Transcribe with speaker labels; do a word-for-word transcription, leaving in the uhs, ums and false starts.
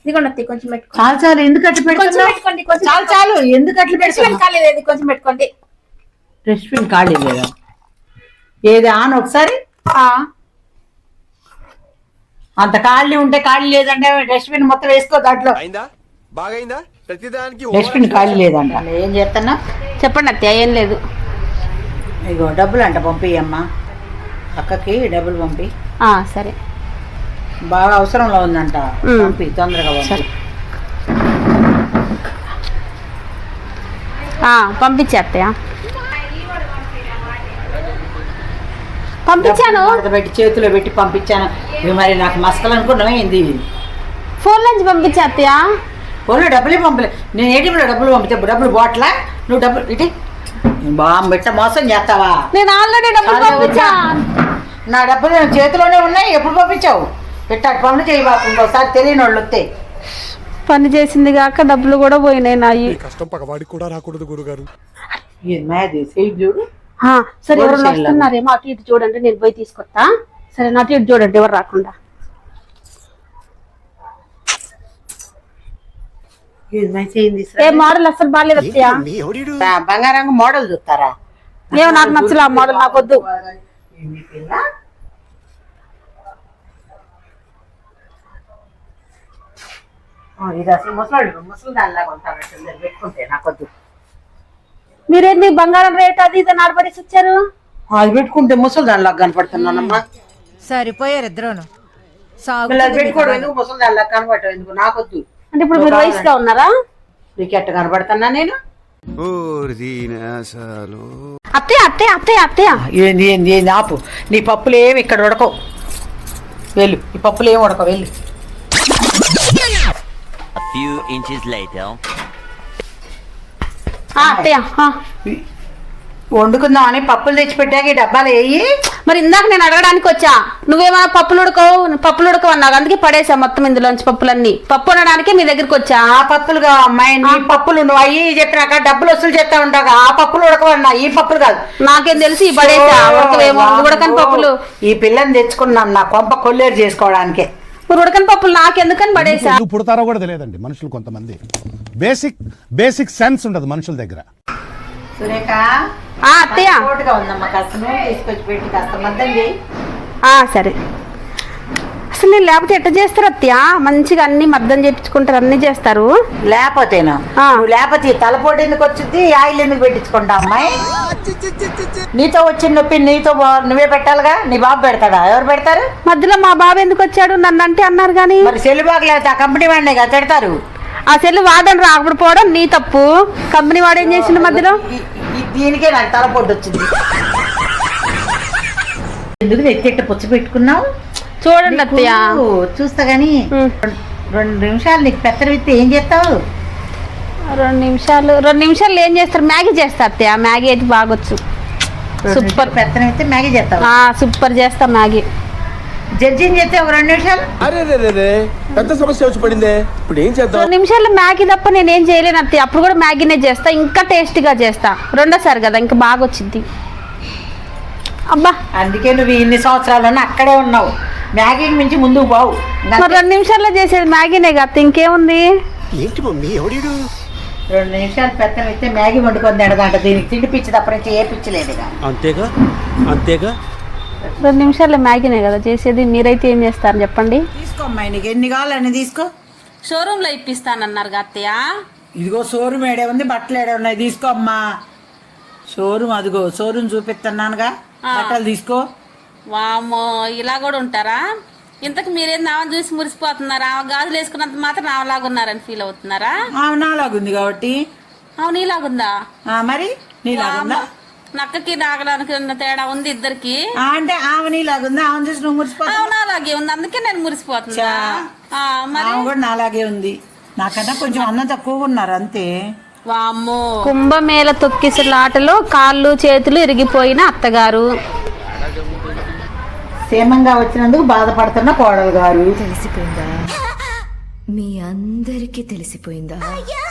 Speaker 1: ఇదిగోండి అత్తయ్య కొంచెం పెట్టుకోండి.
Speaker 2: చాలు చాలు ఎందుకు అట్లా
Speaker 1: కొంచెం
Speaker 2: పెట్టుకున్నావు?
Speaker 1: పెట్టుకోండి, కొంచెం
Speaker 2: చాలు చాలు ఎందుకు అట్లా
Speaker 1: డస్ట్బిన్ ఖాళీ లేదు, కొంచెం పెట్టుకోండి.
Speaker 2: డస్ట్బిన్ ఖాళీ లేదా? ఏది ఆన్ ఒకసారి. అంత ఖాళీ ఉంటే ఖాళీ లేదంటే డస్ట్బిన్ మొత్తం వేసుకో దాంట్లో. డస్ట్బిన్ ఖాళీ లేదంట. ఏం చేస్తున్నా
Speaker 1: చెప్పండి అత్తయ్య. ఏం లేదు.
Speaker 2: ఇగో డబ్బులు అంట పంపియమ్మా, అక్కకి డబ్బులు పంపి.
Speaker 1: సరే,
Speaker 2: బాగా అవసరంలో ఉందంట, పంపి తొందరగా పంపి.
Speaker 1: పంపించే అత్తయ్య. పంపించాను,
Speaker 2: పెట్టి చేతిలో పెట్టి పంపించాను. ఇవి మరి నాకు మస్కలు అనుకున్నావా ఏంది?
Speaker 1: ఫోన్ నుంచి పంపించే అత్తయ్య.
Speaker 2: ఫోన్లో డబ్బులే పంపలే. నేను ఏటీఎంలో డబ్బులు పంపితే డబ్బులు బాట్లా, నువ్వు డబ్బులు ఇటీ బాగా పెట్ట మోసం చేస్తావా?
Speaker 1: నేను ఆల్రెడీ డబ్బులు పంపించా.
Speaker 2: నా డబ్బులు చేతిలోనే ఉన్నాయి, ఎప్పుడు పంపించావు? పెట్టాడు పనులు చేయి బాబు, ఇంకోసారి తెలియని వాళ్ళు వస్తే.
Speaker 1: పని చేసింది కాక డబ్బులు కూడా పోయినాయి నాయి.
Speaker 3: కష్టం పగవాడికి కూడా రాకూడదు గురుగారు.
Speaker 2: చూడు.
Speaker 1: సరే, ఎవరు వస్తున్నారేమో అటు ఇటు చూడండి, నేను పోయి తీసుకొస్తా. సరే, అటు ఇటు చూడండి ఎవరు రాకుండా. ఏ మోడల్ అసలు బాగాలేదు అత్తయ్య.
Speaker 2: బంగారంగా మోడల్ చూస్తారా?
Speaker 1: ఏమో నాకు నచ్చలే ఆ మోడల్, నాకు వద్దు.
Speaker 2: ఇది అసలు ముసలాడు ముసలి దానిలాగా ఉంటాను, పెట్టుకుంటే నాకు వద్దు.
Speaker 1: మీరేంది బంగారం రేట్ అది ఇది నడబడేసి వచ్చారు?
Speaker 2: అది పెట్టుకుంటే ముసలి దానిలాగా కనపడుతున్నానమ్మా.
Speaker 4: సరిపోయారు ఇద్దరును.
Speaker 2: పెట్టుకోవడం ఎందుకు, ముసలి దానిలాగా కనపడటం ఎందుకు? నాకు వద్దు.
Speaker 1: అంటే ఇప్పుడు మీరు వయసులో ఉన్నారా?
Speaker 2: నీకు ఎట్ట కనపడుతున్నా నేను?
Speaker 1: అత్తయ్య అత్తయ్య అత్తయ్య అత్తయ్య
Speaker 2: ఏంది ఏంది ఏంది ఆపు. నీ పప్పులు ఏమి ఇక్కడ ఉడకవు, వెళ్ళు. ఈ పప్పులు ఏమి ఉడకవు, వెళ్ళు.
Speaker 1: అత్తయ్య
Speaker 2: వండుకుందాం అని పప్పులు తెచ్చిపెట్టాక ఈ డబ్బాలు వేయి.
Speaker 1: మరి ఇందాక నేను అడగడానికి వచ్చా, నువ్వేమన్నా పప్పులు ఉడకవు పప్పులు ఉడకవు అన్నావు, అందుకే పడేసా మొత్తం ఇందులోంచి పప్పులన్నీ. పప్పు వండడానికి మీ దగ్గరికి వచ్చా.
Speaker 2: ఆ పప్పులుగా అమ్మాయి, నీ పప్పులు నువ్వు అయ్యి చెప్పినాక డబ్బులు వసూలు చేస్తా ఉంటావు. ఆ పప్పులు ఉడకవన్నా, ఈ పప్పులు కాదు.
Speaker 1: నాకేం తెలిసి పడేసా ఉడకవేమో, ఉడకని పప్పులు.
Speaker 2: ఈ పిల్లని తెచ్చుకున్నాను నా కొంప కొల్లేరు చేసుకోవడానికే.
Speaker 1: ఉడకని పప్పులు నాకెందుకని పడేసా?
Speaker 3: పుడతారో కూడా తెలియదండి మనుషులు కొంతమంది. బేసిక్ బేసిక్ సెన్స్ ఉండదు మనుషుల దగ్గర.
Speaker 2: సురేఖ
Speaker 1: అత్తయ్య
Speaker 2: ఉందమ్మా, కాస్త నూనె తీసుకొచ్చి పెట్టి కాస్త మద్దం చేయి.
Speaker 1: సరే. అసలు నేను లేకపోతే ఎట్ట చేస్తారు అత్తయ్య? మంచిగా అన్ని మద్దం చేయించుకుంటారు, అన్ని చేస్తారు.
Speaker 2: లేకపోతేనా? లేకపోతే తలపోటు ఎందుకు వచ్చింది, ఆయిల్ ఎందుకు పెట్టించుకుంటా అమ్మాయి? నీతో వచ్చిన నొప్పి నీతో నువ్వే పెట్టాలిగా, నీ బాబు పెడతాడా? ఎవరు పెడతారు?
Speaker 1: మధ్యలో మా బాబు ఎందుకు వచ్చాడు నన్ను అంటే అన్నారు కానీ.
Speaker 2: మరి సెల్లు బాగలేదు, ఆ కంపెనీ వాడినే కదా తిడతారు.
Speaker 1: ఆ సెల్లు వాడని రాకపోవడం నీ తప్పు, కంపెనీ వాడు ఏం చేసిండు మధ్యలో?
Speaker 2: దీనికే నాకు తలపోటు వచ్చింది. ఎందుకు ఎత్తెట్ట పుచ్చ పెట్టుకున్నావు?
Speaker 1: చూడండి అత్తయ్య,
Speaker 2: చూస్తా గాని రెండు నిమిషాలు నీకు పెత్తర విత్తే ఏం చేస్తావు?
Speaker 1: రెండు నిమిషాలు రెండు నిమిషాలు ఏం చేస్తారు? మ్యాగీ చేస్తా అత్తయ్య. మ్యాగీ అయితే బాగొచ్చు, సూపర్.
Speaker 2: పెత్తనం అయితే మ్యాగీ చేస్తావు?
Speaker 1: సూపర్ చేస్తా మ్యాగీ.
Speaker 2: జడ్జిని చేస్తే ఒక రెండు నిమిషాలు.
Speaker 3: అరే పెద్ద సమస్య వచ్చి పడిందే, ఇప్పుడు ఏం చేద్దాం?
Speaker 1: రెండు నిమిషాలు మ్యాగీ తప్ప నేనేం చేయలేను అత్తయ్య. అప్పుడు కూడా మ్యాగీనే చేస్తా, ఇంకా టేస్టీగా చేస్తా. రెండోసారి కదా, ఇంకా బాగా వచ్చింది. అబ్బా,
Speaker 2: అందుకే నువ్వు ఇన్ని సంవత్సరాలన్నా అక్కడే ఉన్నావు. మ్యాగీకి మించి ముందుకు బావు.
Speaker 1: మరి రెండు నిమిషాల్లో చేసేది మ్యాగీనే కదా, ఇంకేముంది?
Speaker 3: ఏంటి మమ్మీ ఎవడీడు?
Speaker 2: రెండు నిమిషాలు పెత్తనం అయితే మ్యాగీ వండుకొని తినదంట. దీనికి తిండి పిచ్చి తప్ప నుంచి ఏ పిచ్చి లేదుగా.
Speaker 3: అంతేగా అంతేగా
Speaker 1: రెండు నిమిషాల్లో మ్యాగీనే కదా చేసేది. మీరైతే ఏం చేస్తారు చెప్పండి?
Speaker 2: తీసుకో అమ్మాయి, నీకు ఎన్ని కావాలని తీసుకో.
Speaker 1: షోరూమ్ లో ఇప్పిస్తానన్నారు అత్తయ్య.
Speaker 2: ఇదిగో షోరూమ్ ఏడే ఉంది, బట్టలు ఏడే ఉన్నాయి, తీసుకో అమ్మా. షోరూమ్ అదిగో షోరూమ్ చూపిస్తున్నానుగా, బట్టలు తీసుకో.
Speaker 1: వామ్మో, ఇలా కూడా ఉంటారా? ఇంతకు మీరేం నావని చూసి మురిసిపోతున్నారా? గాజులు వేసుకున్నంత మాత్రం నావలాగా ఉన్నారని ఫీల్ అవుతున్నారా?
Speaker 2: నాలాగుంది కాబట్టి.
Speaker 1: అవును, నీలాగుందా?
Speaker 2: మరి నీలాగుందా?
Speaker 1: నక్కకి నాగడానికి ఉన్న తేడా ఉంది ఇద్దరికి.
Speaker 2: అంటే ఆమె నీలాగుంది, ఆమె చూసి నువ్వు మురిసిపోతావు.
Speaker 1: అవును, అలాగే ఉంది, అందుకే నేను మురిసిపోతున్నా.
Speaker 2: ఆమె కూడా నాలాగే ఉంది, నాకన్నా కొంచెం అన్నం తక్కువగా ఉన్నారు అంతే.
Speaker 1: వామ్మో, కుంభమేళ తొక్కిసలాటలో కాళ్ళు చేతులు ఇరిగిపోయిన అత్తగారు.
Speaker 2: క్షేమంగా వచ్చినందుకు బాధపడుతున్న కోడలు గారు.
Speaker 4: తెలిసిపోయిందా? మీ అందరికీ తెలిసిపోయిందా?